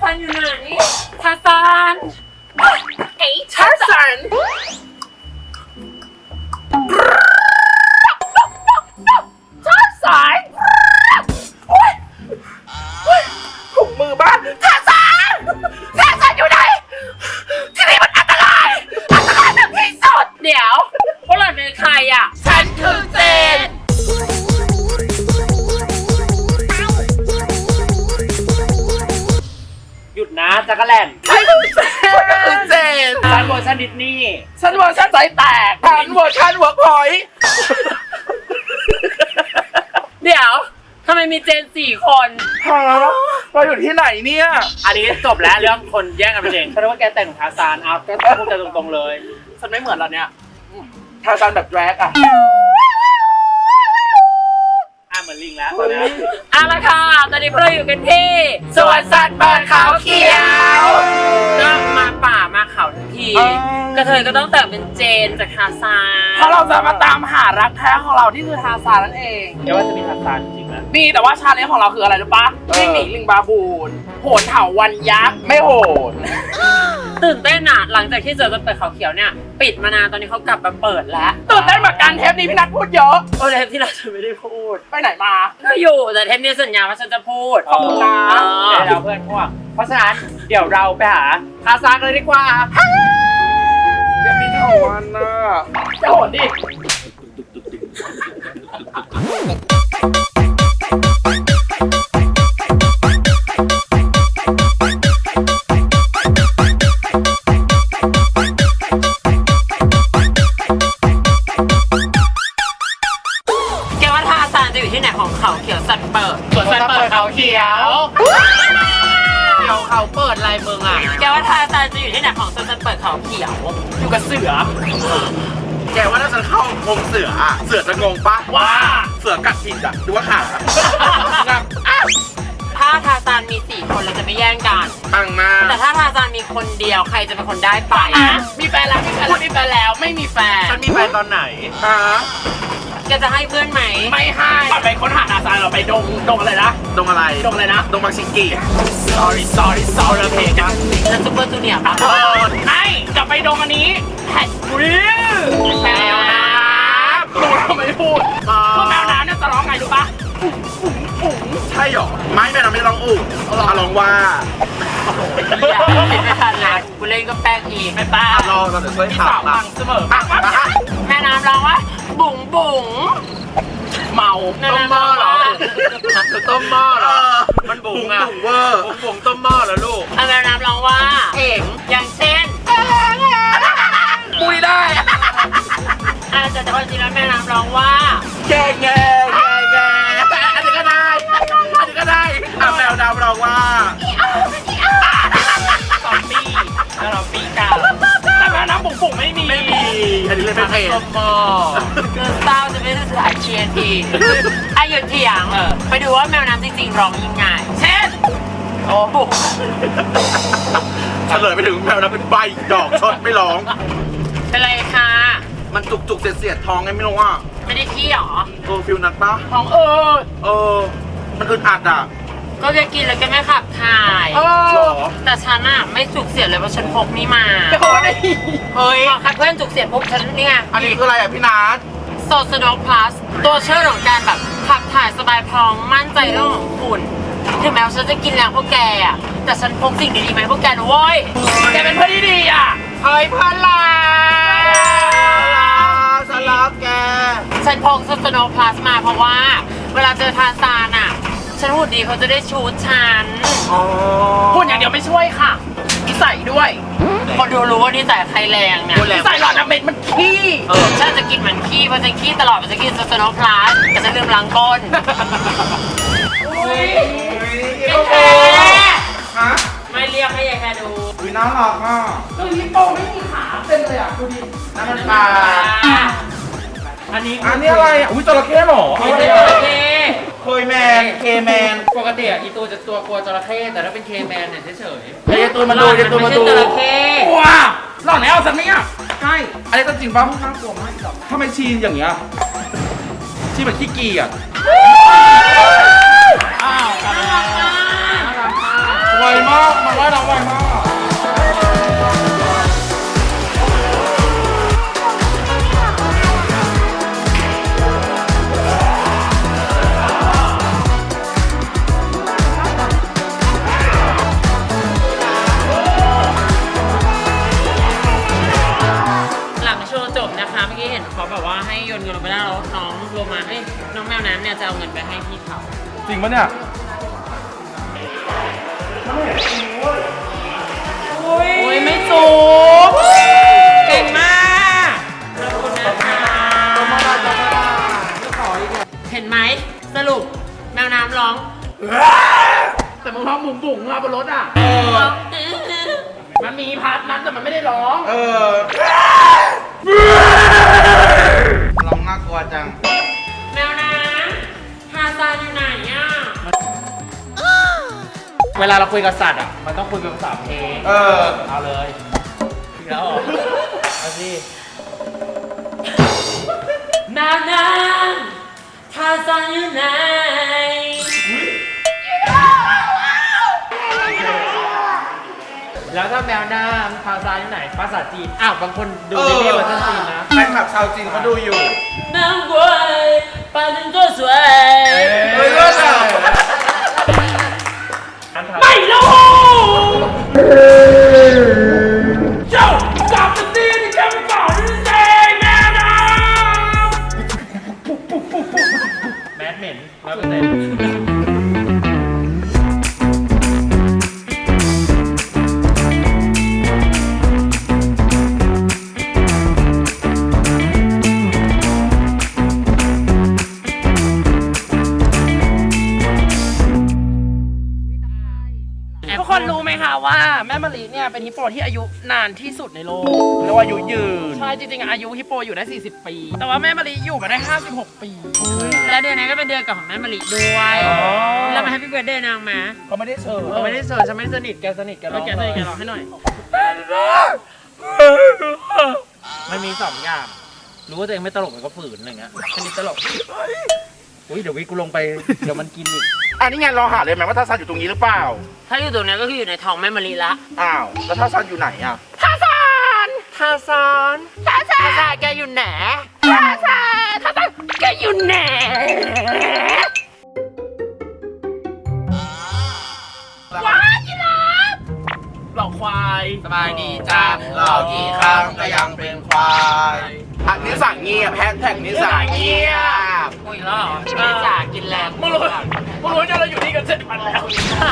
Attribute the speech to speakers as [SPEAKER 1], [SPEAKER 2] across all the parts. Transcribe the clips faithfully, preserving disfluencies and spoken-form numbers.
[SPEAKER 1] ซันอยู่ไหนทาซาน
[SPEAKER 2] ไอ้ทาซานทาซานโอ๊ยถุงมือบ้านทาซานทาซานอยู่ไหนที่นี่มันอันตรายอันตรายแบบที่สุด
[SPEAKER 1] เดี๋ยวพวกเราเป็นใครอ่ะ
[SPEAKER 2] ฉันคือเจน
[SPEAKER 1] หยุดนะจักรแลน
[SPEAKER 2] ฉันคือเจน
[SPEAKER 1] ฉันเวอร์ชันดิสนีย์
[SPEAKER 2] ฉันเวอร์ชันใจแตกฉันเวอร์ชันเวิร์กพอยต์
[SPEAKER 1] เดี๋ยวทำไมมีเจนสี่คน
[SPEAKER 2] ฮะเราอยู่ที่ไหนเนี่ย
[SPEAKER 1] อันนี้จบแล้วเรื่องคนแย่งกันไปเองฉันว่าแกแต่งทาซานเอาก็พูดกันตรงๆเลย
[SPEAKER 2] ฉันไม่เหมือนเราเนี่ยทาซานแบบแดรกอะ
[SPEAKER 1] อ่ะเหมือนลิงแล้วตอนนี้อ่ะละค่ะตอนนี้พวกเราอยู่กันที่
[SPEAKER 2] สวนสัตว์เปิดเขาเขียว
[SPEAKER 1] ก็มาป่ามาเขาทั้งทีกระเทยก็ต้องแต่งเป็นเจนจากทาซาน
[SPEAKER 2] เพราะเราจะมาตามหารักแท้ของเราที่คือทาซานนั่นเอง
[SPEAKER 1] เดี๋ยวว่าจะมีทาซานจริงนะ
[SPEAKER 2] มีแต่ว่าชาเลนจ์ของเราคืออะไรรู้ปะวิ่งหนีลิงบาบูนโหนเถาวันยักษ์ไม่โหน
[SPEAKER 1] ตื่นเต้นอ่ะหลังจากที่เจอจะเปิดเขาเขียวเนี่ยปิดมานานตอนนี้เขากลับมาเปิดแล้ว
[SPEAKER 2] ตื่นเต้นเหมือนกันเทปนี้พี่นัทพูดเยอะ
[SPEAKER 1] โอ้เทปที่เราจะไม่ได้พูด
[SPEAKER 2] ไปไหนมา
[SPEAKER 1] ก็อยู่แต่เทปนี้สัญญาว่าฉันจะพูด
[SPEAKER 2] ขอบคุณนะ
[SPEAKER 1] เดี๋ยวเราเพื่อนพวกเพราะฉะนั้นเดี๋ยวเราไปหาทาซานเลยดีกว่า
[SPEAKER 2] จะมีเถาวันน่ะจะโหนดิ
[SPEAKER 1] เขาเขียวสัตว์เปิดสวนสัตว์เปิดเขาเขียวเดี๋ยวเขาเปิดลายเมืองอ่ะแกว่าทาซานจะอยู่ที่ไหนของสวนสัตว์เปิดเขาเขียว
[SPEAKER 2] อยู่กับเสือแกว่าถ้าฉันเข้างงเสืออ่ะเสือจะงงปะว่าเสือกัดผิดอ่ะดูว่าขา
[SPEAKER 1] ถ้าทาซานมีสี่คนเราจะไม่แย่งกัน
[SPEAKER 2] ตั้งมา
[SPEAKER 1] แต่ถ้าทาซานมีคนเดียวใครจะเป็นคนได้ไป
[SPEAKER 2] มีแฟนแล้วมีแฟนแล้วมีแฟนแล้วไม่มีแฟน
[SPEAKER 1] ฉันมีแฟนตอนไหน
[SPEAKER 2] ฮะ
[SPEAKER 1] แกจะให้เพื่อนไหม
[SPEAKER 2] ไม่ให้ไปค้นหาทาซานเราไปดงดงอะไรนะดงอะไรดงอะไรนะดงบางชิงกี sorry sorry sorry เพลงกัน
[SPEAKER 1] แล้วซุปเปอร์จูเนียร์ปะ
[SPEAKER 2] ไม่จะไปดงอันนี้แฮชบูแมวน้ำดูทำไมพูดพวกแมวน้ำเนี่ยจะร้องไงรู้ปะใช่หรอไม่แมวน้ำไม่ร้องอู่ร้องว่า
[SPEAKER 1] ไม่ทันแล้วกูเล่นก็แป้งอีกไม่ป้าร
[SPEAKER 2] อเราจะช่วยข่าว
[SPEAKER 1] บังเสมอแม่น้ำร้องว่าบุ๋งบุ๋ง
[SPEAKER 2] เมาต้มหม้อเหรอ
[SPEAKER 1] ต้มหม้อเหรอ
[SPEAKER 2] มันบุ๋งอะบุ๋งเวอร์บุ๋งบุ๋งต้มหม้อเหรอลูก
[SPEAKER 1] แม่น้ำร้องว่าเอ๋งอย่างเช่น
[SPEAKER 2] ปุ้ยได้
[SPEAKER 1] อาจจะแต่จริงแล้วแม่น้ำร้องว่า
[SPEAKER 2] แกแกแกแกอันนี้ก็ได้อันนี้ก็ได้แมวน้ำร้องว่า
[SPEAKER 1] ซอมบี้แล้วเราปีกา
[SPEAKER 2] แต่แม่น้ำบุ๋งบุ๋งไม่มีไม่มีอันนี้เลยไม่เพล
[SPEAKER 1] ต้มหม้อคือเศร้าจะไม่ได้สายเชียร์ทีไอหยุดเถียงไปดูว่าแมวน้ำจริงๆร้องยังไงเช่นโอ้บุ๋ง
[SPEAKER 2] เฉลยไปถึงแมวน้ำเป็นใบดอกชดไม่ร้อง
[SPEAKER 1] เป็นไรคะ
[SPEAKER 2] มันจุกจุกเสียดเสียดท้องไงไม่รู้ว่า
[SPEAKER 1] ไม่ได้ขี้หรอ
[SPEAKER 2] เออฟิลนัดปะ
[SPEAKER 1] ท้องเออ
[SPEAKER 2] เออมันอึดอัดอ่ะ
[SPEAKER 1] ก็จะกินแล้วก็ไม่ขับถ่ายแต่ฉันอะไม่จุกเสียดเลยเพราะฉันพกนี่มาเฮ้ยคัดเพื่อนจุกเสียดพกฉันนี่ไง
[SPEAKER 2] อันนี้คืออะไรอ่ะพี่นัท
[SPEAKER 1] โซซโดพลัสตัวช่วยของการแบบขับถ่ายสบายพองมั่นใจเรื่องของคุณถึงแม้ว่าฉันจะกินแรงพวกแกอะแต่ฉันพกสิ่งดีๆไหมพวกแกนะเว้ย
[SPEAKER 2] แกเป็นเพื่อนที่ดีอ่ะ
[SPEAKER 1] เฮ้ยเพื่อนรัก
[SPEAKER 2] ฉันรักแก
[SPEAKER 1] ฉันพกโซซโดพลัสมาเพราะว่าเวลาเจอทาซานอะฉันหุ่นดีเขาจะได้ชูดฉัน
[SPEAKER 2] หุ่นอย่างเดียวไม่ช่วยค่ะนิสัยด้วย
[SPEAKER 1] คนดูรู้ว่านิสัยใครแรงเนี่ย
[SPEAKER 2] นิสัยหลอดน้ำเม็ดมันขี้
[SPEAKER 1] เออฉันจะกินเหมือนขี้เพราะฉันขี้ตลอดเพราะฉันกินโซโนพลัสแต่ฉันลืมล้างก้น
[SPEAKER 2] ฮะ
[SPEAKER 1] ไม่เรียกให้ยายแค่ดู
[SPEAKER 2] อุ้ยน่ารักอ่ะเออฮิปโปไม่มีขาเต็มเลยอ่ะดูดิน้ำมันปลา
[SPEAKER 1] อันนี้
[SPEAKER 2] อันนี้อะไรอ่ะอุ้ยจระเข้หรอ
[SPEAKER 1] ไม่ใช่จระเข้
[SPEAKER 2] เคยแมนเคแมน
[SPEAKER 1] ปกติอ่ะอีตัวจะตัวกลัวจระเข้แต่ถ้าเป็นเคแมนเนี่ยเฉยๆ
[SPEAKER 2] เดี๋ยวตัวมาดูเดี๋ยวตัวมาดู
[SPEAKER 1] จระเข้
[SPEAKER 2] ว้าหล่อแล้วสักนิดอ่ะใช่อันนี้ต้องจริงป่ะน่ากลัวมากทำไมชีอย่างเงี้ยชีแบบขี้กีอ่ะอ้าวน่ารักมากไวมากมันว่ายน้ำไวมาก
[SPEAKER 1] หลังโชว์จบนะคะเมื่อกี้เห็นเขาแบบว่าให้โยนเงินลงไปได้แล้วน้องโลมาเอ้ยน้องแมวน้ำเนี่ยจะเอาเงินไปให้พี่เขา
[SPEAKER 2] จริงปะเนี่ย
[SPEAKER 1] โอ้ยไม่จูบเก่งมากขอบคุณนะคะเห็นไหมสรุปแมวน้ำร้อง
[SPEAKER 2] แต่มึงร้องบุ๋งบุ๋งอะบนรถอ่ะเออมันมีพาร์ทนั้นแต่มันไม่ได้ร้องเออร้องน่ากลัวจัง
[SPEAKER 1] แมวน้ำทาซานอยู่ไหนอ่ะเวลาเราคุยกับสัตว์อ่ะมันต้องคุยเป็นภาษาเพลงเออเอาเลยแล้วเอาสิแมวน้ำทาซานอยู่ไหนแล้วถ้าแมวน้ำทาซานอยู่ไหนภาษาจีนอ้าวบางคนดูในเรื่องเวอร์ชันจีนนะ
[SPEAKER 2] แฟนคลับชาวจีนเขาดูอยู่
[SPEAKER 1] 难怪把人做水
[SPEAKER 2] เฮ้ยเลิศอ่ะ
[SPEAKER 1] ไม่รู้เจ้ากลับมาสิที่แกไม่บอกนี่เองแม่นะแมดเหม็นร้อยเปอร์เซ็นต์ทุกคนรู้ไหมคะว่าแม่มะลิเนี่ยเป็นฮิปโปที่อายุนานที่สุดในโลก
[SPEAKER 2] เรียกว่าอายุยืน
[SPEAKER 1] ใช่จริงๆอายุฮิปโปอยู่ได้สี่สิบปีแต่ว่าแม่มะลิอยู่มาได้ห้าสิบหกปีและเดือนนี้ก็เป็นเดือนเกิดของแม่มะลิด้วยแล้วมาให้พี่เบิร์ดเดย์นางมา
[SPEAKER 2] เขาไม่ได้เชิญ
[SPEAKER 1] เขาไม่ได้เชิญฉันไม่สนิทแกสนิทแกร้องแกสนิทแกร้องให้หน่อยมันมีสองอย่างรู้ว่าตัวเองไม่ตลกมันก็ฝืนอะไรเงี้ยชนิดตลกอุ้ยเดี๋ยววิกูลงไปเดี๋ยวมันกินอีก
[SPEAKER 2] อันนี้ไงเราหาเลยไหมว่าทาซานอยู่ตรงนี้หรือเปล่า
[SPEAKER 1] ถ้าอยู่ตรงนี้ก็คืออยู่ในท้องแม่มะลิละ
[SPEAKER 2] อ้าวแล้วทาซานอยู่ไหนอ่ะ
[SPEAKER 1] ทาซานทาซานทาซานทาซานแกอยู่ไหนทาซานทาซานแกอยู่ไหนว้ายยีราฟหลอกควาย
[SPEAKER 2] สบายดีจ้าหลอกกี่ครั้งก็ยังเป็นควายอันนี้สั่งเงียบแฮชแท็กนี้สั่งเงียบ
[SPEAKER 1] คุยแล้วไม่จ่ากินแรง
[SPEAKER 2] มึงรู้มึงรู้เนี่ยเราอยู่นี่กันเจ็ดวันแล้ว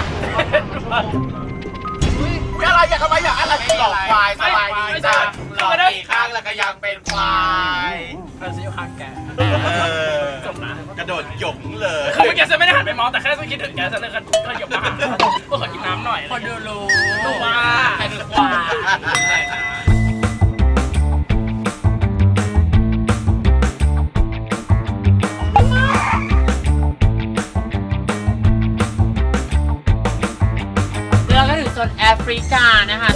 [SPEAKER 2] อะไรอยากทำไมอยากอะไรหลอกควายสบายดีจ้าหลอกกี่ครั้งแล้วก็ยังเป็นควาย
[SPEAKER 1] เราจะอยู่ข้างแก
[SPEAKER 2] จบนะกระโดดหยงเลย
[SPEAKER 1] คือเมื่อกี้ฉันไม่ได้หันไปมองแต่แค่ฉันคิดถึงแกฉันเลยก็หยงมาหาก็ขอกินน้ำหน่อย
[SPEAKER 2] คนดูรู้
[SPEAKER 1] รู้ว่าใครเป็นควายแล้วก็ถึงโซนแอฟริกานะคะ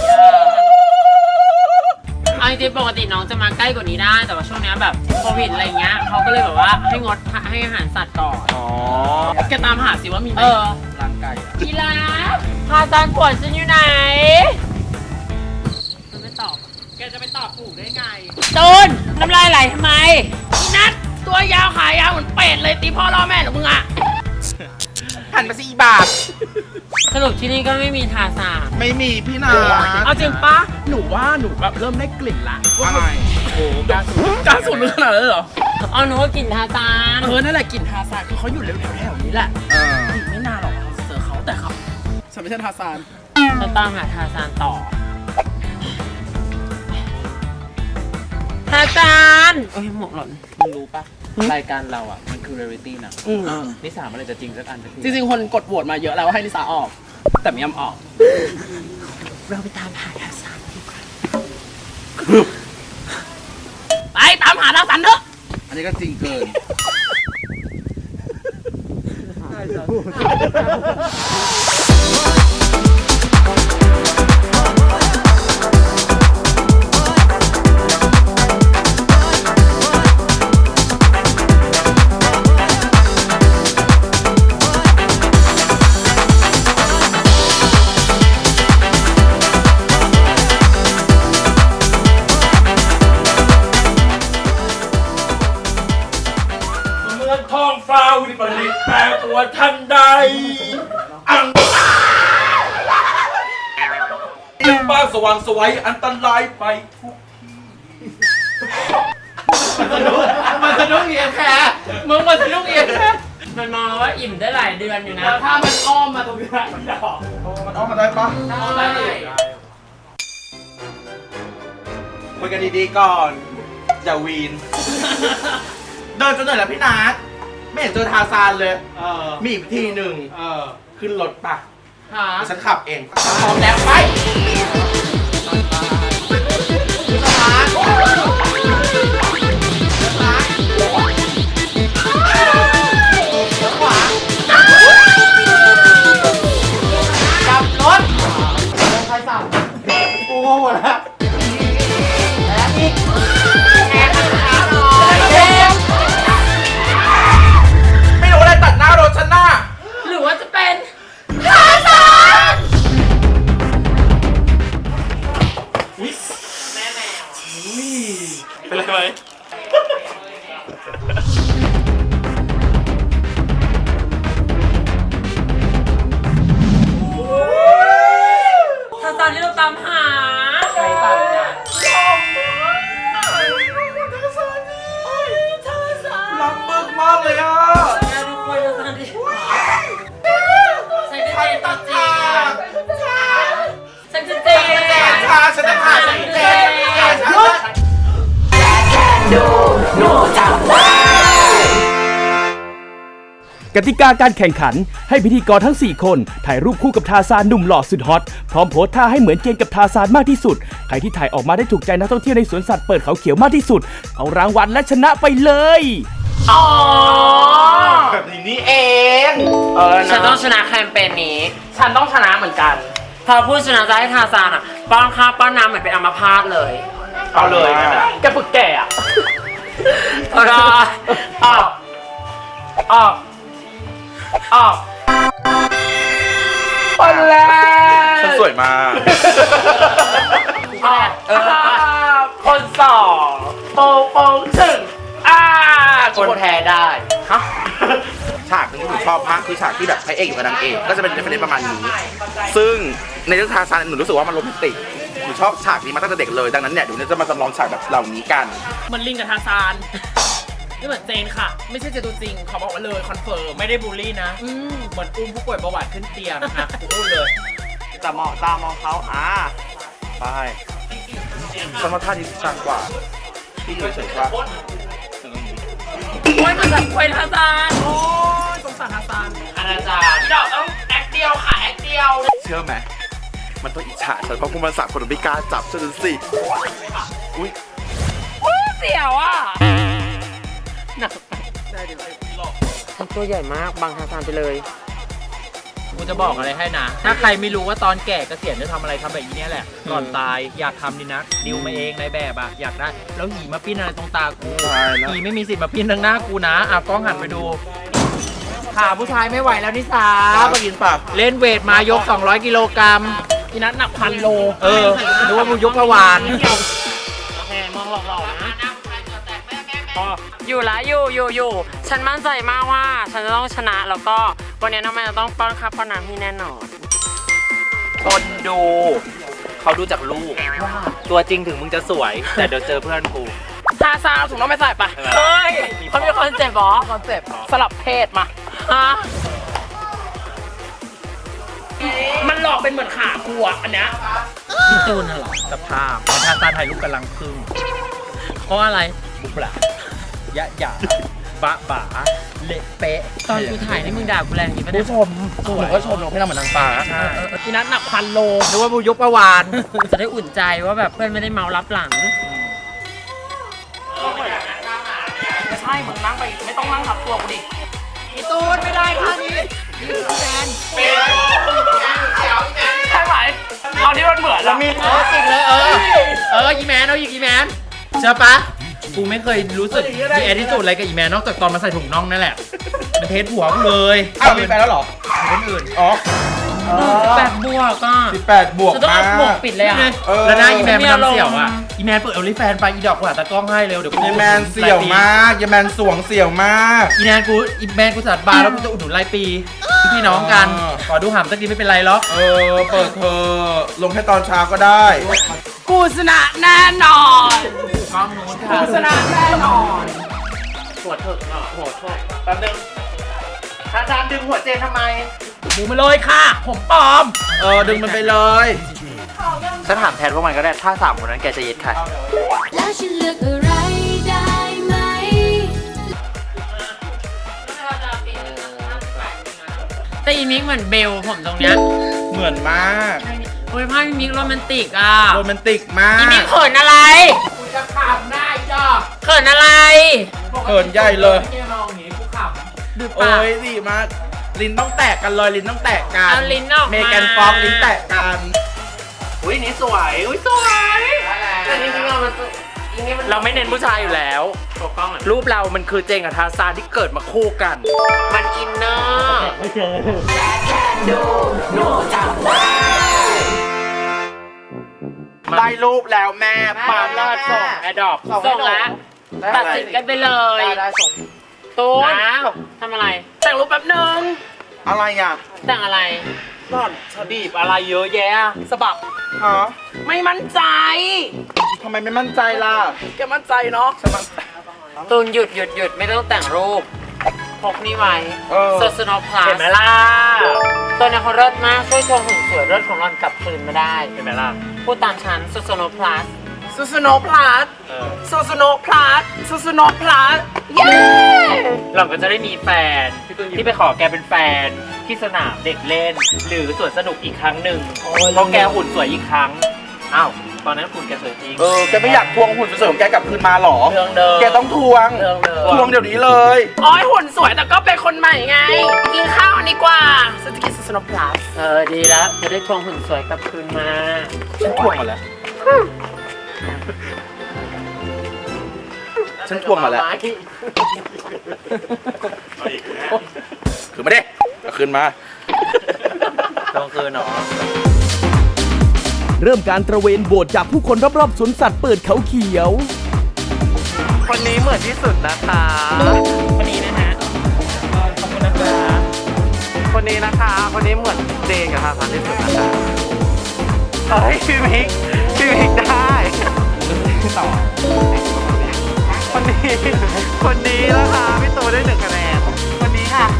[SPEAKER 1] เอาจริงๆปกติน้องจะมาใกล้กว่านี้ได้แต่ว่าช่วงนี้แบบโควิดอะไรเงี้ยเขาก็เลยแบบว่าให้งดให้อาหารสัตว์ก่อนอ๋อแกตามหาสิว่ามีไหม
[SPEAKER 2] ร่างไก่
[SPEAKER 1] กีฬาพาซานปวดฉันอยู่ไหนมันไม่ตอบแกจะไปตอบถูกได้ไงตูนน้ำลายไหลทำไมอีนัทตัวยาวขายาวเหมือนเป็ดเลยตีพ่อล่อแม่หรอมึงอะ
[SPEAKER 2] หันมาสิอีบาท
[SPEAKER 1] สรุปที่นี่ก็ไม่มีทาซาน
[SPEAKER 2] ไม่มีพี่นา
[SPEAKER 1] เอาจริงปะหนูว่าหนูแบบเริ่มได้กลิ่นละ
[SPEAKER 2] อะไร
[SPEAKER 1] โอ้กาสูกาสูขนาดนั้นเหรอเอาหนูว่ากลิ่นทาซานเออนั่นแหละกลิ่นทาซานคือเขาอยู่แถวแถวนี้แหละ
[SPEAKER 2] เออ
[SPEAKER 1] อีกไม่นานหรอกเราจะเจอเขาแต่เขาฉันไม่ใช่ทาซานฉันตามหาทาซานต่อทาซานโอ้ยหมกหล่นมึงรู้ปะรายการเราอ่ะมันคือเรียลลิตี้นะนิสาอะไรจะจริงสักอันจริงๆคนกดโหวตมาเยอะแล้วว่าให้นิสาออกแต่ไม่ยอมออกเราไปตามหาทาซานดีกว่าไปตามหาทาซานเถอะ
[SPEAKER 2] อันนี้ก็จริงเกินฟ้าวิปริตแปรปรวนทันใดอังยิ่งบ้านสว่างสวยอันตรายไปทุก
[SPEAKER 1] มันสนุกเอียงแค่มึงมันสนุกเอียงแค่
[SPEAKER 3] มันมองว่าอิ่มได้หลายเดือนอยู่นะ
[SPEAKER 1] ถ้ามันอ้อมมาตรงนี้มันจะออก
[SPEAKER 2] มันออกมาได้ปะ
[SPEAKER 1] ได้
[SPEAKER 2] คุยกันดีๆก่อนอย่าวีนเดินจนเหนื่อยแล้วพี่นัทไม่เห็นเจอทาซานเลย
[SPEAKER 1] เออ
[SPEAKER 2] มีอีกทีหนึ่ง
[SPEAKER 1] เออ
[SPEAKER 2] ขึ้นรถปะ
[SPEAKER 1] หา
[SPEAKER 2] ฉันขับเอง
[SPEAKER 1] พร้อมแล้วไปกลับรถใครสั่งกูงงหมดแล้วแล้วอีกแอบขาหน่อยเจ็บ
[SPEAKER 2] ไม่รู้อะไรตัดหน้ารถฉันหน้า
[SPEAKER 3] หรือว่าจะเป็น
[SPEAKER 2] เป็นไรไหม
[SPEAKER 3] ทาซานที่เราตามหา
[SPEAKER 1] ใครตัดนะ
[SPEAKER 2] รักมากมากเลยอ่ะ
[SPEAKER 3] แม่ทุกคนทาซานที่ฉันจะ
[SPEAKER 2] ฉั
[SPEAKER 3] เจ
[SPEAKER 2] น
[SPEAKER 3] น
[SPEAKER 2] ตั
[SPEAKER 3] ตั
[SPEAKER 2] ด
[SPEAKER 3] ดเจ
[SPEAKER 2] ขา
[SPEAKER 3] ฉันจะเจน
[SPEAKER 2] ขาฉันจะขาฉันเจ็บขาฉันจะ
[SPEAKER 4] กติกาการแข่งขันให้พิธีกรทั้ง สี่ คนถ่ายรูปคู่กับทาซานหนุ่มหล่อสุดฮอตพร้อมโพสท่าให้เหมือนเจนกับทาซานมากที่สุดใครที่ถ่ายออกมาได้ถูกใจนักท่องเที่ยวในสวนสัตว์เปิดเขาเขียวมากที่สุดเอารางวัลและชนะไปเลย
[SPEAKER 3] อ๋อ
[SPEAKER 2] แบบนี้นี่เอง
[SPEAKER 1] เออ
[SPEAKER 3] ฉันต้อ
[SPEAKER 1] นะ
[SPEAKER 3] งชนะแคมเปญนี้
[SPEAKER 1] ฉันต้องชนะเหมือนกัน
[SPEAKER 3] พอพูดชนะจะให้ทาซานอ่ะป้อนข้าวป้อนน้ำเหมือนเป็นอัมพาตเลย
[SPEAKER 1] เอาเลยแกฝึกแก่อะ
[SPEAKER 3] เอาละ
[SPEAKER 1] ออกออกออกคนแรก
[SPEAKER 2] ฉันสวยมาก
[SPEAKER 1] ออกเออคนสองโปงโปงถึงอ่าคนแพ้ได้ฮะ
[SPEAKER 2] ฉากหนึงที่หนูชอบมากคือฉากที่แบบพระเอกอยู่กับนางเอกก็จะเป็นประเด็นประมาณนี้ ซึ่งในเรื่องทาซานหนูรู้สึกว่ามันโรแมนติกหนูชอบฉากนี้มาตั้งแต่เด็กเลยดังนั้นเนี่ยเดี๋ยวเราจะมาจำลองฉากแบบเหล่านี้กัน
[SPEAKER 1] มันลิงกับทาซานนี่เหมือนเจนค่ะ ไม่ใช่เจนตัวจริงเขาบอกว่าเลยคอนเฟิร์มไม่ได้บูลลี่นะอืมเหมือนอุ้มผู้ป่วยเบาหวานขึ้นเตียงนะคะพูดเลยแต่มองตามองเขาอ่า
[SPEAKER 2] ไปฉันว่าท่านี้ชันกว่าที่อยู่เฉยๆว่า
[SPEAKER 3] โอ้ยมันแบบควยทาซาน
[SPEAKER 1] โอ้ยสงสารทาซานอาจารย์เดี๋ยวต้องแอคเดียวค่ะแอคเดียว
[SPEAKER 2] เชื่อไหมมันต้องอิจฉาฉันเพราะพวกมันสามคนมันไม่กล้าจับฉันสิอุ้ย
[SPEAKER 3] เสียวอ่ะหนักไปทำตัวใหญ่มากบังทาซานไปเลย
[SPEAKER 1] กูจะบอกอะไรให้นะ ถ้าใครไม่รู้ว่าตอนแก่เกษียณจะทำอะไรทำแบบนี้แหละ ก่อนตายอยากทำนี่นะดิวมาเองในแบบอะอยากได้ แล้วหีมาปิ้นอะไรตรงตากู
[SPEAKER 2] ตายแล้ว
[SPEAKER 1] หีไม่มีสิทธิ์มาปิ้นทางหน้ากูนะอ่ะกล้องหันไปดูขาผู้ชายไม่ไหวแล้วนิสา
[SPEAKER 2] ไปกินปาก
[SPEAKER 1] เล่นเวทมายก สองร้อย กิโลกรัมพี่นัทหนักพันโล เออนึกว่ามึงยกพะวาน
[SPEAKER 3] แม่มองหลอกๆนะอยู่ละอยู่อยู่อยู่ฉันมั่นใจมากว่าฉันจะต้องชนะแล้วก็วันนี้ทำไมจะต้องป้อนข้าวป้อนน้ำให้แน่นอน
[SPEAKER 1] คนดู เขาดูจากลูก ตัวจริงถึงมึงจะสวย แต่เดี๋ยวเจอเพื่อนกูทาซานเอาถุงน้องไปใส่ไป
[SPEAKER 3] เฮ้ยเขามีคอนเซ็ปต์เหรอ
[SPEAKER 1] คอนเซ็ปต์สลับเพศมา
[SPEAKER 3] ฮะ
[SPEAKER 1] มันหลอกเป็นเหมือนขากูอ่ะอันเนี้ยพี่จูนน่ะเหรอสภาพทาซานถ่ายรูปกำลังพึ่ง
[SPEAKER 3] เพราะอะไร
[SPEAKER 1] บุปผายะหยาบะบาเละเป๊ะ
[SPEAKER 3] ตอนกูถ่ายนี่มึงด่ากูแรงจริงปะเนี่ย
[SPEAKER 1] ผู้ชมหนูก็ชมเราให้เราเหมือนนางฟ้าพี่นัทหนักพันโลหรือว่าบูยกประวาน
[SPEAKER 3] จะได้อุ่นใจว่าแบบเพื่อนไม่ได้เมารับหลัง
[SPEAKER 1] ไม่ใช่มึงนั่งไปไม่ต้องนั่งทับตัวกูดิพี่ตูนไม่ได้ท่านี้แฟนใช่ไหมเอาที่มันเหมือนแล้วมีเออจริงเลยเออเอออีแมนเอาอีกอีแมนเชื่อปะกูไม่เคยรู้สึกมีแอดที่สุดอะไรกับอีแมนนอกจากตอนมาใส่ถุงน่องนั่นแหละเป็นเทสหัวกูเลย
[SPEAKER 2] อ้าวมีแฟนแล้วเหรอ
[SPEAKER 1] คนอื่น
[SPEAKER 2] อ๋อ
[SPEAKER 3] แปดบวกอ่ะ
[SPEAKER 2] สิบแปดบวก
[SPEAKER 3] จะต้อง
[SPEAKER 2] มา
[SPEAKER 3] เอาบวกปิดเลยอ่ะ
[SPEAKER 2] เออ
[SPEAKER 1] แล้วหน้าอีแมนมัน
[SPEAKER 3] มีอารมณ์
[SPEAKER 1] ทำเสี่ยวอ่ะอีแมนเปิดโอลิแฟนไปอีดอกกูหาตากล้องให้เร็วเดี๋ยวกู
[SPEAKER 2] ยายแมนเสี่ยวมากยายแมนสวงเสี่ยวมาก
[SPEAKER 1] อีแมนกูอีแมนกูจัดบาร์แล้วกูจะอุดหนุนรายปีพี่น้องกัน
[SPEAKER 2] เออ
[SPEAKER 1] ขอดูหามสักทีไม่เป็นไรหรอก
[SPEAKER 2] เออเปิดเธอลงแค่ตอนเช้าก็ได้
[SPEAKER 3] กูชนะแน่นอน
[SPEAKER 1] กล้องนู้นค่ะ
[SPEAKER 3] กูชนะแน่นอน
[SPEAKER 1] หัวเถิกเนาะหัวเถิกแป๊บนึงอาจารย์ดึงหัวเจนทำไม
[SPEAKER 3] ดูมาเลยค่ะ ผมปลอม
[SPEAKER 2] เออดึงมันไปเลย
[SPEAKER 1] ฉันถามแทนพวกมันก็ได้ถ้าสามคนนั้นแกจะเย็ดใคร
[SPEAKER 5] แล้วฉันเลือกอะไรได้ไหม
[SPEAKER 3] แต่อีมิกเหมือนเบลผมตรงเนี้ย
[SPEAKER 2] เหมือนมาก
[SPEAKER 3] โอ้ยภาพอีมิกโรแมนติกอ่ะ
[SPEAKER 2] โรแมนติกมา
[SPEAKER 3] อีมิ
[SPEAKER 2] ก
[SPEAKER 3] กเขินอะไรกูจะขำได้จ้ะเขินอะไร
[SPEAKER 2] เขินใหญ่เลย
[SPEAKER 3] แกมองอย่างนี้กูขำดู
[SPEAKER 2] โอ้
[SPEAKER 3] ปาก
[SPEAKER 2] ยดีมากลิ้นต้องแตกกันเลยลิ้นต้องแตกกัน
[SPEAKER 3] เอาลิ้นออกมา
[SPEAKER 2] เมแกนฟ็อกลิ้นแตกกัน
[SPEAKER 1] อุ้ยนี่สวยอุ้ยสวยแต่จริงๆเรามันเราไม่เน้นผู้ชายอยู่แล้วรูปเรามันคือเจงกับทาซานที่เกิดมาคู่กัน
[SPEAKER 3] มันอินเนอร์
[SPEAKER 2] ได้รูปแล้วแม่ปา
[SPEAKER 3] ปา
[SPEAKER 2] ล์ม
[SPEAKER 3] ลอดส่งแอดดอปส่งแล้วตัดสินกันไปเลย
[SPEAKER 2] ได้ส่ง
[SPEAKER 3] ตูนทำอะไร แต่งรูปแป๊บนึง
[SPEAKER 2] อะไรอ่ะ
[SPEAKER 3] แต่งอะไร
[SPEAKER 2] ก่อน
[SPEAKER 3] บีบอะไรเยอะแยะสะบับ
[SPEAKER 2] ฮะ
[SPEAKER 3] ไม่มั่นใจ
[SPEAKER 2] ทำไมไม่มั่นใจล่ะ
[SPEAKER 3] แกมั่นใจเนาะ
[SPEAKER 2] ฉันมั่นใจ
[SPEAKER 3] ตูนหยุดหยุดหยุดไม่ต้องแต่งรูปพกนี่ไว้
[SPEAKER 2] เออ
[SPEAKER 3] โซสโนพลัส
[SPEAKER 1] เห็นไหมล่ะ
[SPEAKER 3] ตัวนี้เขาเลิศมากช่วยทวงหุ่นสวยเลิศของรอนกลับคืนมาได้
[SPEAKER 1] เห็นไหมล่ะ
[SPEAKER 3] พูดตามฉันโซสโนพลัส
[SPEAKER 1] ซูซูโนพลัส
[SPEAKER 3] โซสโนพลัสโซสโนพลัสเย้
[SPEAKER 1] เราก็จะได้มีแฟนที่ไปขอแกเป็นแฟนที่สนามเด็กเล่น หรือสวนสนุกอีกครั้งหนึ่งเพราะแกหุ่นสวยอีกครั้งอ้าวตอนนั้นหุ่นแกสวยจริง
[SPEAKER 2] เออแกไม่อยากทวงหุ่นสวยๆของแกกลับคืนมาหรอ
[SPEAKER 1] เรื่องเดิม
[SPEAKER 2] แกต้องทวง
[SPEAKER 1] เรื่องเดิม
[SPEAKER 2] ทวงเดี๋ยวนี้เลย
[SPEAKER 3] โอ้ยหุ่นสวยแต่ก็เป็นคนใหม่ไง กินข้าวดีกว่าฉันจะกินโซสโนพลัสเออดีแล้วจะได้ทวงหุ่นสวยกลับคืนมา
[SPEAKER 2] ฉันทวงมาแล้ว ฉันทวงมาแล้ว คืนมาดิเอาคืนมา
[SPEAKER 1] ตรงคืนเนาะ
[SPEAKER 4] เริ่มการตระเวนโบสจากผู้คนรอบๆสวนสัตว์เปิดเขาเขียว
[SPEAKER 1] คนนี้เหมือนที่สุดนะคะคนนี้นะฮะขอบคุณนะคะคนนี้นะคะคนนี้เหมือนเจนกับทาซานที่สุดนะคะเฮ้ยพี่มิกพี่มิกได้ต่อคนนี้คนนี้นะคะพี่ตูได้หนึ่งคะแนนคนนี้ค่ะ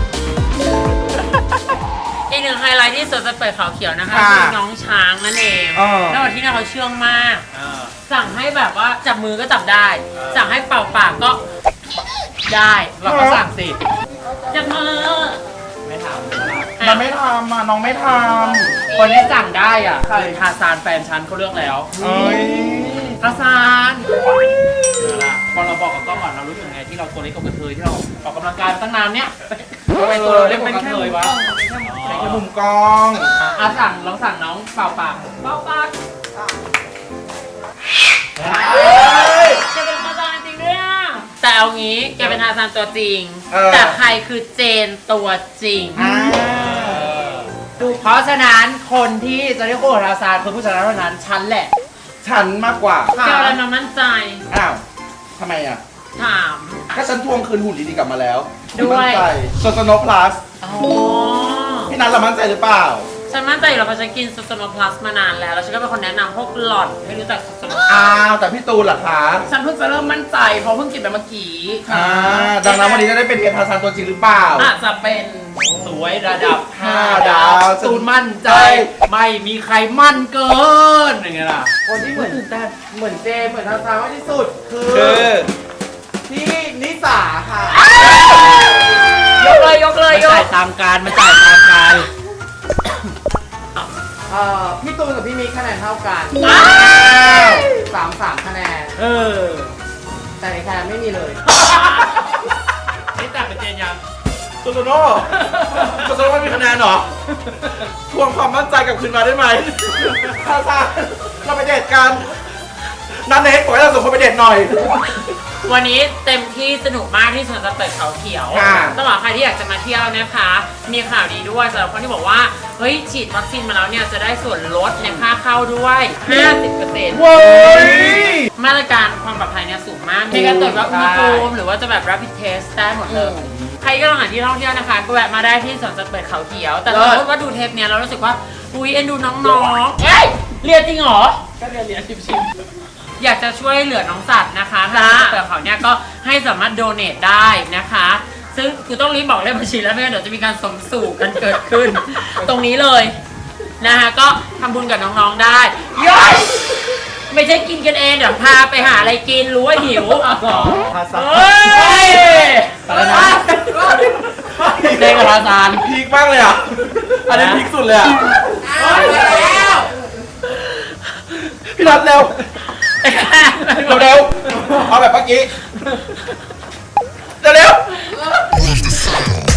[SPEAKER 3] อีกหนึ่งไฮไลท์ที่สวนสัตว์เปิดเขาเขียวนะคะ
[SPEAKER 2] ค่ะ
[SPEAKER 3] คือน้องช้างนั่นเอง
[SPEAKER 2] เออ
[SPEAKER 3] แล้ววันที่นี่เขาเชื่องมาก สั่งให้แบบว่าจับมือก็จับได้ สั่งให้เป่าปากก็ได้
[SPEAKER 1] เราก็สั่งสิ
[SPEAKER 3] จับมือ
[SPEAKER 1] ไม่ท
[SPEAKER 2] มันไม่ทำอ่ะน้องไม่ท
[SPEAKER 1] ำคนที่สั่งได้อ่ะคือทาซานแฟนฉันเขาเลือกแล้ว
[SPEAKER 2] ำเอ้ย
[SPEAKER 1] ทาซานเอาล่ะพอเราบอกกับกล้องก่อนเรารู้สึกไงที่เราตัวเล็กกับกระเทยที่เราออกกำลังกายมาตั้งนานเนี้ยทำไมตัวเราเล็กเป็นกระเทยวะ
[SPEAKER 2] ในมุมกล้อง
[SPEAKER 1] อ่ะสั่งลองสั่งน้องเปล่าปากเปล่าปาก
[SPEAKER 3] แกเป็นทาซานจริงด้วยอ่ะแต่เอางี้แกเป็นทาซานตัวจริง
[SPEAKER 2] เออ
[SPEAKER 3] แต่ใครคือเจนตัวจริง
[SPEAKER 2] อ่า
[SPEAKER 1] เพราะฉะนั้นคนที่จะได้คู่กับทาซานคือผู้ชนะเท่านั้นฉันแหละ
[SPEAKER 2] ฉันมากกว่า
[SPEAKER 3] แกอะไรมามั่นใจ
[SPEAKER 2] อ้าวทำไมอ่ะ
[SPEAKER 3] ถาม
[SPEAKER 2] ก็ฉันทวงคืนหุ่นดีๆกลับมาแล้ว
[SPEAKER 3] ด้วย
[SPEAKER 2] มั่นใจโซโซโนพลัส
[SPEAKER 3] อ๋อ
[SPEAKER 2] พี่นัทเรามั่นใจหรือเปล่า
[SPEAKER 3] ฉันมั่นใจอยู่แล้วเพราะฉันกินซูโซโนพลัสมานานแล้ว แล้วฉันก็เป็นคนแนะนำพวกหล่อนให้รู้จักซูโซโน
[SPEAKER 2] อ้าวแต่พี่ตูนล่ะคะ
[SPEAKER 3] ฉันเพิ่งจะเริ่มมั่นใจเพราะเพิ่งกินไปเมื่อกี้
[SPEAKER 2] อ่าดังนั้นวันนี้จะได้เป็นเพียรทาซานตัวจริงหรือเปล่า
[SPEAKER 3] อาจจะเป็น
[SPEAKER 1] สวยระดับ
[SPEAKER 2] ห้าดาว
[SPEAKER 1] ตูนมั่นใจ ไม่มีใครมั่นเกินอย่างเงี้ยล่ะ
[SPEAKER 2] คนที่เหมือนแต่เหมือนเจเหมือนทาซานมากที่สุด คือ
[SPEAKER 1] คือ
[SPEAKER 2] พี่นิสาค่ะ
[SPEAKER 3] ยกเลยยกเลย
[SPEAKER 1] มัน
[SPEAKER 3] ย
[SPEAKER 1] จ่าย
[SPEAKER 3] ก
[SPEAKER 1] ตามการมันจ่ายตามการ
[SPEAKER 2] เอ่อพี่ตูนกับพี่มิกคะแนนเท่ากันสามสามคะแนน
[SPEAKER 1] เออ
[SPEAKER 2] แต่ในคะแนนไม่มีเลย
[SPEAKER 1] นี่แต่เป็นเจนยัง
[SPEAKER 2] โซโซโน่โซโซโน่ไม่มีคะแนนเหรอ ทวงความมั่นใจกลับคืนมาได้ไหมทาซานเราไปเดทกันนันเนทปล่อยให้เราส่งคนไปเด็ดหน่อย
[SPEAKER 3] วันนี้เต็มที่สนุกมากที่สวนสัตว์เปิดเขาเขียว
[SPEAKER 2] ค่ะ
[SPEAKER 3] ต้องบอกใครที่อยากจะมาเที่ยวนะคะ มีข่าวดีด้วยสำหรับคนที่บอกว่าเฮ้ยฉีดวัคซีนมาแล้วเนี่ยจะได้ส่วนลดในค่าเข้าด้วย ห้าสิบเปอร์เซ็นต์
[SPEAKER 2] เว้ย
[SPEAKER 3] มาตรการความปลอดภัยเนี่ยสูงมากมีการตรวจวัดอุณหภูมิหรือว่าจะแบบ rapid test ได้หมดเลย ใครก็ลองหาที่ท่องเที่ยวนะคะก็แวะมาได้ที่สวนสัตว์เปิดเขาเขียว แต่สมมติว่าดูเทปเนี้ยเรารู้สึกว่าอุ้ยเอ็นดูน้องๆเอ้ยเรียนจริงเหรอ
[SPEAKER 1] ก็เรียนเรียนชิม
[SPEAKER 3] อยากจะช่วยเหลือน้องสัตว์นะคะทางเปิดเขาเนี่ยก็ให้สามารถโดเนทได้นะคะ ซึ่งกูต้องรีบบอกเลขบัญชีแล้วไม่งั้นเดี๋ยวจะมีการสมสู่กันเกิดขึ้น ตรงนี้เลยนะคะก็ทำบุญกับน้องๆได้ย้อยไม่ใช่กินกันเองเดี๋ยวพาไปหาอะไรกินรู้ว่าหิวเฮ้ย
[SPEAKER 1] ๆตอนนั้นเด็กกับทาซาน
[SPEAKER 2] พีคมากเลยอ่ะ อันนี้พีคสุดเลยอ่ะ
[SPEAKER 3] แล้ว
[SPEAKER 2] พี่นัทเร็ว เร็วๆเอาแบบเมื่อกี้ เร็วๆ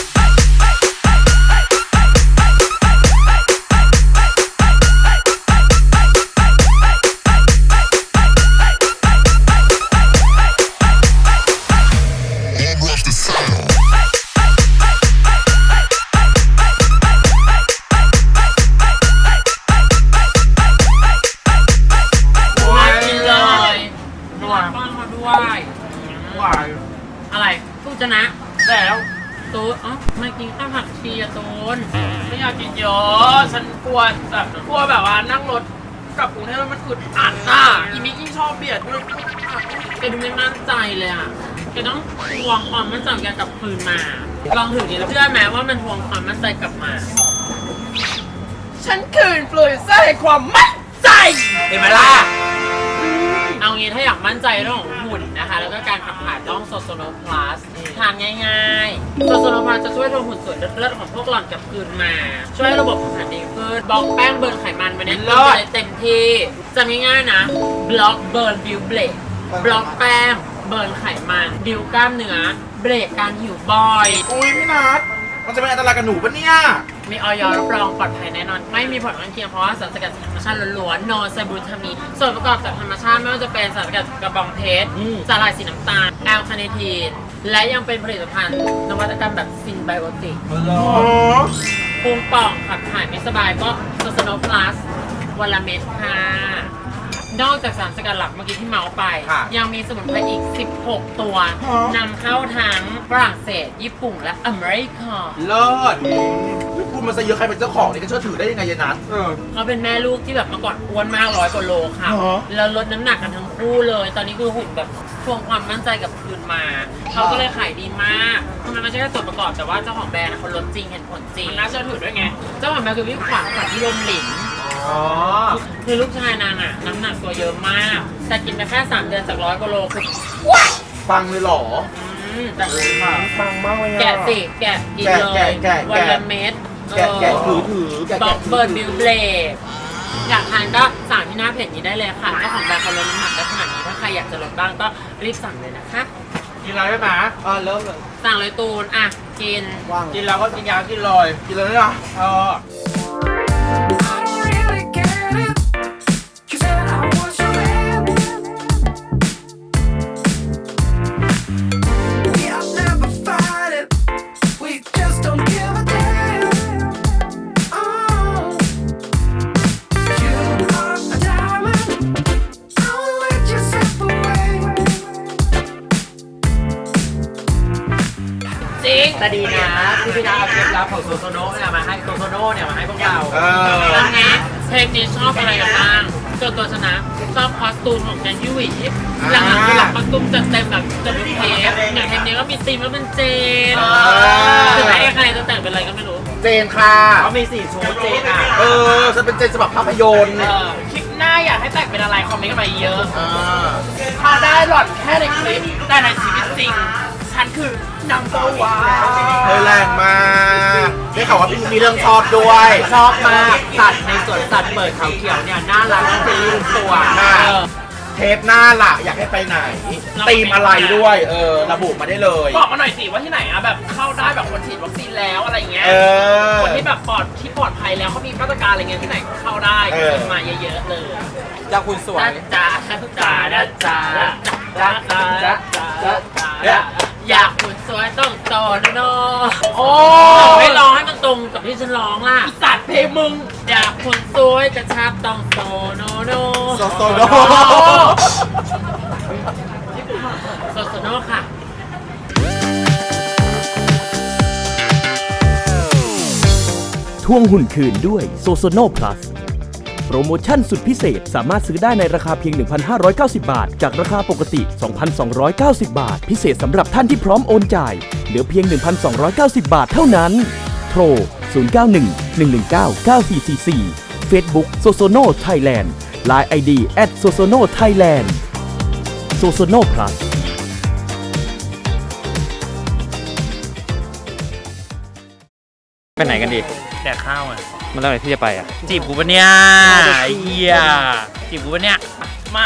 [SPEAKER 3] มากินเลยนวดป้อนมาด้วยอะไรตู้จะนะแล้วตูนอ๋อไม่กินข้าวผักชีอะตูน
[SPEAKER 1] ไม่อยากกินเยอะฉันกลัวแบบกลัวแบบว่านั่งรถกลับกรุงเทพแล้วมันอึดอัดอ่ะอีมิกยิ่งชอบเบียดด้วย
[SPEAKER 3] แกดูไม่มั่นใจเลยอ่ะแกต้องทวงความมั่นใจของแกกลับคืนมา ลองถือดีแล้วเชื่อไหมว่ามันทวงความมั่นใจกลับมา
[SPEAKER 1] ฉันคืนปลุยไส้ความมั่นใจ
[SPEAKER 2] เห็นไหมล่ะ
[SPEAKER 3] เอางี้ถ้าอยากมั่นใจเรื่องของหุ่นนะคะ แล้วก็การขับถ่ายต้องโซโซโนพลัสทานง่ายๆโซโซโนพลัสจะช่วยทวงหุ่นสวยเลิศๆของพวกหล่อนกลับคืนมา ช่วยให้ระบบขับถ่ายดีขึ้นบล็อกแป้งเบิร์นไขมันไปเนี่ย
[SPEAKER 2] เลิศ
[SPEAKER 3] เต็มที่จะง่ายๆนะบล็อกเบิร์นบิวเบรกบล็อกแป้งเบิร์นไขมันบิวกล้ามเนื้อเบรกการหิวบ่อย
[SPEAKER 2] อุ้ยพี่นัทมันจะเป็นอันตรายกับหนูปะเนี่ย
[SPEAKER 3] มีออยรับรองปลอดภัยแน่นอน ไม่มีผลข้างเคียงเพราะว่าสารสกัดจากธรรมชาติล้วนๆโนไซบูทามีนส่วนประกอบจากธรรมชาติไม่ว่าจะเป็นสารสกัดจากกระบองเพชรสาหร่ายสีน้ำตาลแอลคาเนทีนและยังเป็นผลิตภัณฑ์นวัตกรรมแบบซินไบโอติก
[SPEAKER 2] อ๋อ
[SPEAKER 3] พุงป่องขับถ่ายไม่สบายก็โซสโนพลัสวันละเม็ดค่ะ นอกจากสารสกัดหลักเมื่อกี้ที่เมาส์ไป
[SPEAKER 2] ค่ะ
[SPEAKER 3] ยังมีสมุนไพรอีก สิบหก ตัวนำเข้าทั้งฝรั่งเศส ญี่ปุ่นและอเมริกา
[SPEAKER 2] เลิศพูดมาซะเยอะใครเป็นเจ้าของนี่ก็เชื่อถือได้ยังไงยายนัทเออ
[SPEAKER 3] เขาเป็นแม่ลูกที่แบบเมื่อก่อนอ้วนมากร้อยกว่าโลค่ะ
[SPEAKER 2] เหรอ
[SPEAKER 3] แล้วลดน้ำหนักกันทั้งคู่เลย ตอนนี้คือหุ่นแบบทวงความมั่นใจกลับคืนมา เขาก็เลยขายดีมากมันไม่ใช่แค่ส่วนประกอบแต่ว่าเจ้าของแบรนด์อะเขาลดจริงเห็นผลจริง
[SPEAKER 1] มันน่าเชื่อถือด้วยไง
[SPEAKER 3] เจ้าของแบรนด์คือพี่ขวัญขวัญที่ลมหลิน
[SPEAKER 2] อ๋อ
[SPEAKER 3] คือลูกชายนางอะน้ำหนักตัวเยอะมาก แต่กินไปแค่สามเดือนจากร้อยกว่าโลคือ
[SPEAKER 2] ฟังเลยเหรอ
[SPEAKER 3] อืมแต่
[SPEAKER 2] ฟังมากเลย
[SPEAKER 3] แกะสิแกะกินเลย
[SPEAKER 2] แกะแกะแกะ
[SPEAKER 3] วันละเม็ด
[SPEAKER 2] แกะแกะถือถือแกะ
[SPEAKER 3] บล็อ
[SPEAKER 2] แกะ
[SPEAKER 3] กเบิร์ดบิวเบลกอยากทานก็สั่งที่หน้าเพจนี้ได้เลยค่ะเจ้าของแบรนด์เขาลดน้ำหนักได้ขนาดนี้ถ้าใครอยากจะลดบ้างก็รีบสั่งเลยนะคะ
[SPEAKER 2] กินอะไรได้ไหมอ่าเริ่มเลย
[SPEAKER 3] สั่งเลยตูนอ่ะกิน
[SPEAKER 2] กินแล้วก็กินยากินเลยกินเลยนะเออ
[SPEAKER 5] I don't really get it. You said I was your man. We have never fight it. We just don't give a damn. Oh, you are a diamond. I won't let you slip away.
[SPEAKER 3] จริงแต่ดีนะที่พี่นาเอาเคล็ดลับของโซโซโน่เนี่ยมาให้โซโซโน่เนี่ยมาให้พวกเรา
[SPEAKER 2] เออ
[SPEAKER 3] แล้วนะเพลงนี้ชอบอะไรกันบ้างตัวตัวชนะชอบคอสตูมของแกนยูวีหลังๆคือหลังคอสตูมจัดเต็มแบบจะเป็นเทปอย่างเพลงนี้ก็มีธีมแล้วเป็นเจนถึงแม้ใครจะแต่งเป็นอะไรก็ไม่รู้
[SPEAKER 2] เจนค่ะ
[SPEAKER 1] เขามีสี่ชุดเจนอ่ะ
[SPEAKER 2] เออฉันเป็นเจนฉบับภาพยนตร์
[SPEAKER 1] เออคลิปหน้าอยากให้แต่งเป็นอะไรคอมเมนต์กันมาเยอะ
[SPEAKER 2] อ่า
[SPEAKER 1] พาได้หลอดแค่ในคลิปแต่ในชีวิตจริง ฉันคือ number one
[SPEAKER 2] เธอแรงมากได้ข่าวว่าพี่มีเรื่องชอบด้วย
[SPEAKER 3] ชอบมากสัตว์ในสวนสัตว์เปิดเขาเขียวเนี่ยน่ารักทั้งเป็นลูกตัว
[SPEAKER 2] ค่ะ
[SPEAKER 3] เออ
[SPEAKER 2] เทปหน้าล่ะอยากให้ไปไหนธีมอะไรด้วย เออ ระบุมาได้เลย
[SPEAKER 1] บอกมาหน่อยสิว่าที่ไหนอะแบบเข้าได้แบบคนฉีดวัคซีนแล้วอะไรเงี้ย
[SPEAKER 2] เออ
[SPEAKER 1] คนที่แบบปลอดที่ปลอดภัยแล้วเขามีมาตรการอะไรเงี้ยที่ไหนเข้าได้
[SPEAKER 2] เออ
[SPEAKER 1] ขึ้นมาเยอะๆเลยอยากคุณสวย
[SPEAKER 3] จ้าจ้าจ้าจ้าจ้าจ้าจ้าจ้าอยากหุ่นสวยต้องโตนะโนโอ้ไม่ร้องให้มันตรงกับที่ฉันร้องล่ะสัตว์เพลงมึงอยากหุ่นสวยกระชับต้องโตโนโน
[SPEAKER 1] โซโซโน
[SPEAKER 3] โซโซโนค่ะ
[SPEAKER 4] ทวงหุ่นคืนด้วยโซโซโน Plus โปรโมชั่นสุดพิเศษสามารถซื้อได้ในราคาเพียง หนึ่งพันห้าร้อยเก้าสิบ บาทจากราคาปกติ สองพันสองร้อยเก้าสิบ บาทพิเศษสำหรับท่านที่พร้อมโอนจ่ายเหลือเพียง หนึ่งพันสองร้อยเก้าสิบ บาทเท่านั้นโทรศูนย์ เก้า หนึ่ง หนึ่ง หนึ่ง เก้า เก้า สี่ สี่ สี่ Facebook Sosono Thailand ไลน์ ไอ ดี แอท โซโซโน ไทยแลนด์ Sosono Plus
[SPEAKER 6] ไปไหนกันดี
[SPEAKER 3] แดกข้าวอ่ะ
[SPEAKER 6] มันเรื่องอะไรที่จะไปอ่ะ
[SPEAKER 3] จีบกูปะเนี่ยไอ้เหี้ยจีบกูปะเนี่ยมา